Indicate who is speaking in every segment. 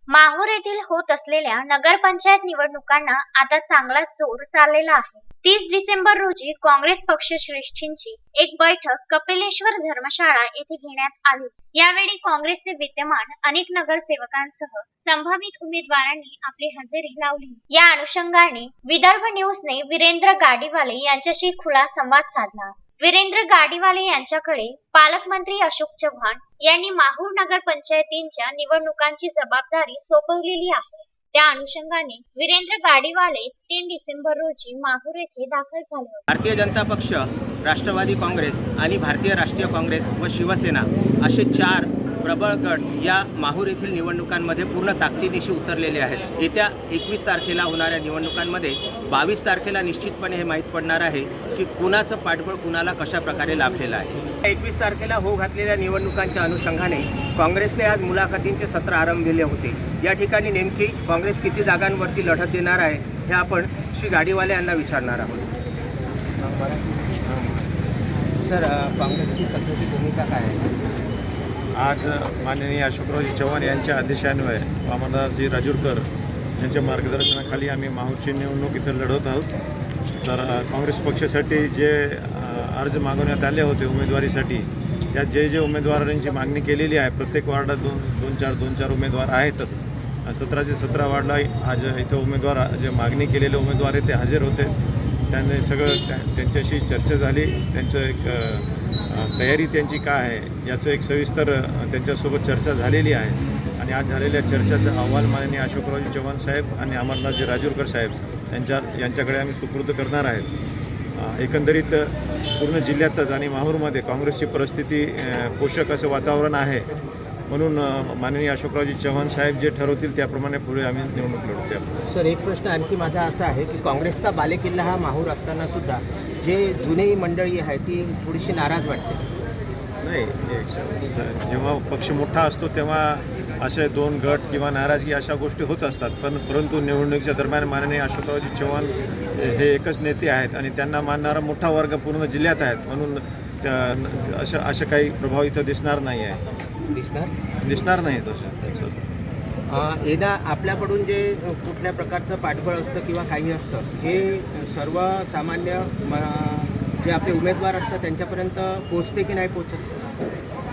Speaker 1: माहूर येथील होत असलेल्या नगरपंचायत निवडणुकांना आता चांगलाच जोर चाललेला आहे. 30 डिसेंबर रोजी काँग्रेस पक्षश्रेष्ठींची एक बैठक कपिलेश्वर धर्मशाळा येथे घेण्यात आली. यावेळी काँग्रेसचे विद्यमान अनेक नगरसेवकांसह संभावित उमेदवारांनी आपली हजेरी लावली. या अनुषंगाने विदर्भ न्यूजने वीरेंद्र गाडीवाले यांच्याशी खुला संवाद साधला. वीरेंद्र गाडीवाले यांच्याकडे पालकमंत्री अशोक चव्हाण यांनी माहूर नगर पंचायतींच्या निवडणुकांची जबाबदारी सोपवलेली आहे. त्या अनुषंगाने वीरेंद्र गाडीवाले 3 डिसेंबर रोजी माहूर येथे दाखल झाले.
Speaker 2: भारतीय जनता पक्ष, राष्ट्रवादी काँग्रेस आणि भारतीय राष्ट्रीय काँग्रेस व शिवसेना असे 4 प्रबळ गट या माहूर येथील निवडणुकांमध्ये पूर्ण ताकदीनिशी उतरलेले आहेत. येत्या 21 तारखेला होणाऱ्या निवडणुकांमध्ये 22 तारखेला निश्चितपणे हे माहीत पडणार आहे की कुणाचं पाठबळ कुणाला कशा प्रकारे लाभलेलं आहे. 21 तारखेला होऊ घातलेल्या निवडणुकांच्या अनुषंगाने काँग्रेसने आज मुलाखतींचे सत्र आरंभलेले होते. या ठिकाणी नेमकी काँग्रेस किती जागांवरती लढत देणार आहे हे आपण श्री गाडीवाले यांना विचारणार आहोत. सर, काँग्रेसची सध्याची भूमिका काय आहे?
Speaker 3: आज माननीय अशोकरावजी चव्हाण यांच्या आदेशान्वये वामनदासजी राजूरकर यांच्या मार्गदर्शनाखाली आम्ही माहूरची निवडणूक इथं लढवत आहोत. तर काँग्रेस पक्षासाठी जे अर्ज मागवण्यात आले होते उमेदवारीसाठी, त्यात जे उमेदवारांची मागणी केलेली आहे, प्रत्येक वार्डात दोन चार उमेदवार आहेतच. 17चे 17 वार्डला आज इथं उमेदवार जे मागणी केलेले उमेदवार आहेत ते हजर होते. त्यांनी सगळं त्यांच्याशी चर्चा झाली. त्यांचं एक तयारी त्यांची काय आहे याचं एक सविस्तर त्यांच्यासोबत चर्चा झालेली आहे. आणि आज झालेल्या चर्चेचा अहवाल माननीय अशोकरावजी चव्हाण साहेब आणि अमरनाथजी राजूरकर साहेब यांच्याकडे आम्ही सुपूर्द करणार आहेत. एकंदरीत पूर्ण जिल्ह्यातच आणि माहूरमध्ये काँग्रेसची परिस्थिती पोषक असं वातावरण आहे. म्हणून माननीय अशोकरावजी चव्हाण साहेब जे ठरवतील त्याप्रमाणे पुढे आम्ही निवडणूक लढवतो.
Speaker 2: सर, एक प्रश्न आणखी माझा असा आहे की काँग्रेसचा बालेकिल्ला हा माहूर असताना सुद्धा जे जुनी मंडळी आहे ती थोडीशी नाराज वाटते.
Speaker 3: नाही, जेव्हा पक्ष मोठा असतो तेव्हा असे 2 गट किंवा नाराजगी अशा गोष्टी होत असतात. परंतु निवडणुकीच्या दरम्यान माननीय अशोकरावजी चव्हाण हे एकच नेते आहेत आणि त्यांना मानणारा मोठा वर्ग पूर्ण जिल्ह्यात आहेत. म्हणून अशा काही प्रभाव इथं दिसणार नाही आहे. दिसणार नाही तसं.
Speaker 2: एकदा आपल्याकडून जे कुठल्या प्रकारचं पाठबळ असतं किंवा काही असतं हे सर्वसामान्य जे आपले उमेदवार असतात त्यांच्यापर्यंत पोचते की नाही पोचत?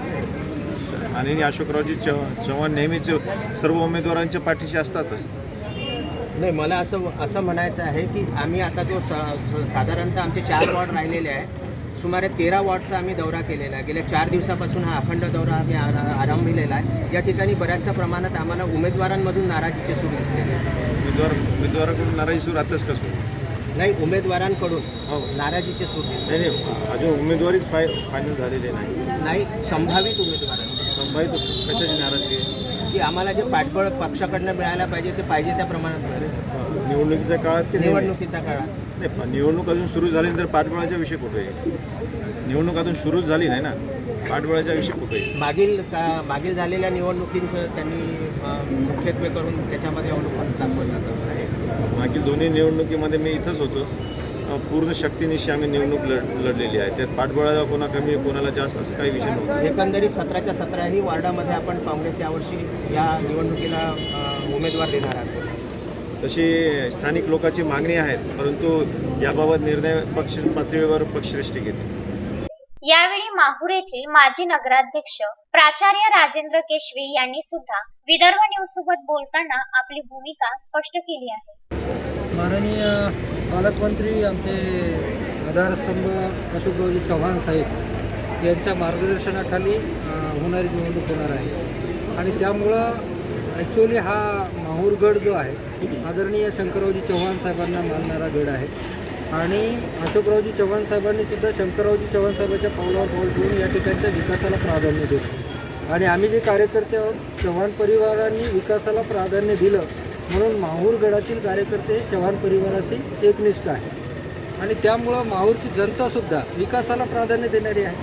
Speaker 3: आणि अशोकरावजी चव्हाण नेहमीच सर्व उमेदवारांच्या पाठीशी असतातच.
Speaker 2: नाही, मला असं म्हणायचं आहे की आम्ही आता जो साधारणतः आमचे 4 वॉर्ड राहिलेले आहे, सुमारे 13 वॉर्डचा आम्ही दौरा केलेला आहे. गेल्या 4 दिवसापासून हा अखंड दौरा आम्ही आरंभिलेला आहे. या ठिकाणी बऱ्याचशा प्रमाणात आम्हाला उमेदवारांमधून नाराजीचे सूर दिसलेले आहे.
Speaker 3: उमेदवाराकडून नाराजी सूर आताच कसं?
Speaker 2: नाही, उमेदवारांकडून नाराजीचे सूर दिसले.
Speaker 3: नाही, अजून उमेदवारीच फायनल झालेली
Speaker 2: नाही, संभावित उमेदवारांकडून.
Speaker 3: संभावित कशाची नाराजगी आहे?
Speaker 2: की आम्हाला जे पाठबळ पक्षाकडनं मिळायला पाहिजे ते पाहिजे त्या प्रमाणात
Speaker 3: निवडणुकीच्या काळात
Speaker 2: निवडणुकीच्या काळात
Speaker 3: नाही. निवडणूक अजून सुरू झाली तर पाठबळाचा विषय कुठे आहे? निवडणूक अजून सुरूच झाली नाही ना, पाठबळाचा विषय कुठे आहे?
Speaker 2: मागील झालेल्या निवडणुकींचं त्यांनी मुख्यत्वे करून त्याच्यामध्ये अवलंबून दाखवलं जातं.
Speaker 3: मागील दोन्ही निवडणुकीमध्ये मी इथंच होतो. पूर्ण शक्तीनिशी आम्ही निवडणूक लढलेली आहे. त्यात पाठबळाला कोणा कमी कोणाला जास्त असं काही विषय नव्हता.
Speaker 2: एकंदरीत 17च्या 17ही वार्डामध्ये आपण काँग्रेस यावर्षी या निवडणुकीला उमेदवार देणार आहोत.
Speaker 3: तशी स्थानिक लोकांची मागणी आहे, परंतु याबाबत निर्णय पक्ष पातळीवर पक्षश्रेष्ठी घेते.
Speaker 1: यावेळी माहूर येथील माजी नगराध्यक्ष प्राचार्य राजेंद्र केशवी यांनी सुद्धा विदर्भ न्यूज सोबत बोलताना आपली भूमिका स्पष्ट केली आहे.
Speaker 4: माननीय पालकमंत्री आमचे आधारस्तंभ अशोकरावजी चव्हाण साहेब यांच्या मार्गदर्शनाखाली होणारी निवडणूक होणार आहे. आणि त्यामुळं ॲक्च्युअली हा माहूर गड जो आहे आदरणीय शंकररावजी चव्हाण साहेबांना मानणारा गड आहे. आणि अशोकरावजी चव्हाण साहेबांनी सुद्धा शंकररावजी चव्हाण साहेबांच्या पावलावर पाऊल ठेवून या ठिकाणच्या विकासाला प्राधान्य देतो. आणि आम्ही जे कार्यकर्ते आहोत, चव्हाण परिवारांनी विकासाला प्राधान्य दिलं म्हणून माहूर गडातील कार्यकर्ते हे चव्हाण परिवाराशी एकनिष्ठ आहे. आणि त्यामुळं माहूरची जनतासुद्धा विकासाला प्राधान्य देणारी आहे.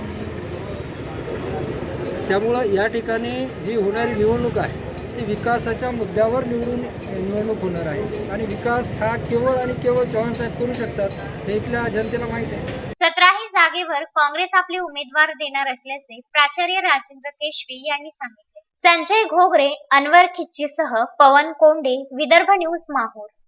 Speaker 4: त्यामुळं या ठिकाणी जी होणारी निवडणूक आहे ती विकासाच्या मुद्द्यावर निवडणूक होणार आहे. आणि विकास हा केवळ आणि केवळ चव्हाण साहेब करू शकतात हे इथल्या जनतेला माहीत आहे.
Speaker 1: 17ही जागेवर काँग्रेस आपले उमेदवार देणार असल्याचे प्राचार्य राजेंद्र केशवी यांनी सांगितले. संजय घोगरे, अनवर खिच्चीसह पवन कोंडे, विदर्भ न्यूज माहूर.